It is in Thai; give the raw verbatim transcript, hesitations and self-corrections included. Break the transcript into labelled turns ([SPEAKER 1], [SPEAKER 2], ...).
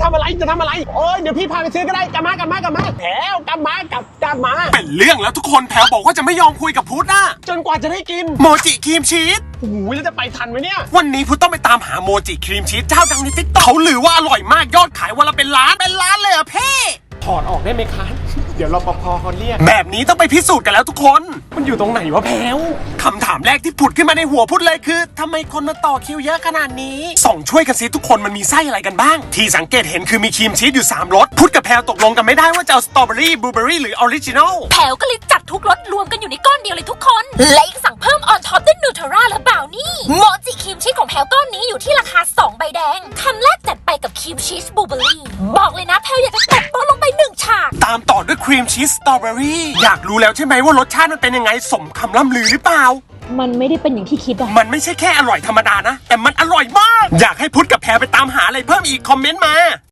[SPEAKER 1] ทำอะไรจะทำอะไรโอ้ยเดี๋ยวพี่พาไปซื้อก็ได้กลับมากลับมากลับมาแถวกลับมากลับกลับมา
[SPEAKER 2] เป็นเรื่องแล้วทุกคนแพลวบอกว่าจะไม่ยอมคุยกับพุทธอะ
[SPEAKER 1] จนกว่าจะได้กิน
[SPEAKER 2] โมจิครีมชีส
[SPEAKER 1] โอ้โหแล้วจะไปทันไหมเนี่ย
[SPEAKER 2] วันนี้พุทธต้องไปตามหาโมจิครีมชีสเจ้าดังในติ๊กต็อกเขาลือว่าอร่อยมากยอดขายวันละเป็นล้านเป็นล้านเลยอะเพ่
[SPEAKER 1] ถอดออกได้ไหมคะเดี๋ยวรปภเขาเรียก
[SPEAKER 2] แบบนี้ต้องไปพิสูจน์กันแล้วทุกคน
[SPEAKER 1] มันอยู่ตรงไหนวะแพลว
[SPEAKER 2] คำถามแรกที่ผุดขึ้นมาในหัวพุทธเลยคือทำไมคนมาต่อคิวเยอะขนาดนี้ส่องช่วยกันซิทุกคนมันมีไส้อะไรกันบ้างที่สังเกตเห็นคือมีครีมชีสอยู่สามรสพุทธกับแพลวตกลงกันไม่ได้ว่าจะเอาสตรอเบอรี่บลูเบอรี่หรือออริจินอล
[SPEAKER 3] แพลวก็เลยจัดทุกรสรวมกันอยู่ในก้อนเดียวเลยทุกคนและอีกสั่งเพิ่มออนท็อปด้วยนูเทลล่าและบราวนี่โมจิครีมชีสของแพลวก้อนนี้อยู่ที่ราคาสองใบแดงคำแรกจัดไปกับครีมชีสบลูเบอรี่บอกเลยนะแพลวอยากจะตบโต๊ะลงไปหนึ่งฉาก
[SPEAKER 2] ตามต่อด้วยครีมชีสสตรอเบอรี่อยากรู้แล้วใช่ไหมว่ารสชาติมันเป็นยังไงสมคำล่ำลือหรือเปล่า
[SPEAKER 4] มันไม่ได้เป็นอย่างที่คิดอะ
[SPEAKER 2] มันไม่ใช่แค่อร่อยธรรมดานะแต่มันอร่อยมากอยากให้พุทธกับแพรไปตามหาอะไรเพิ่มอีกคอมเมนต์มา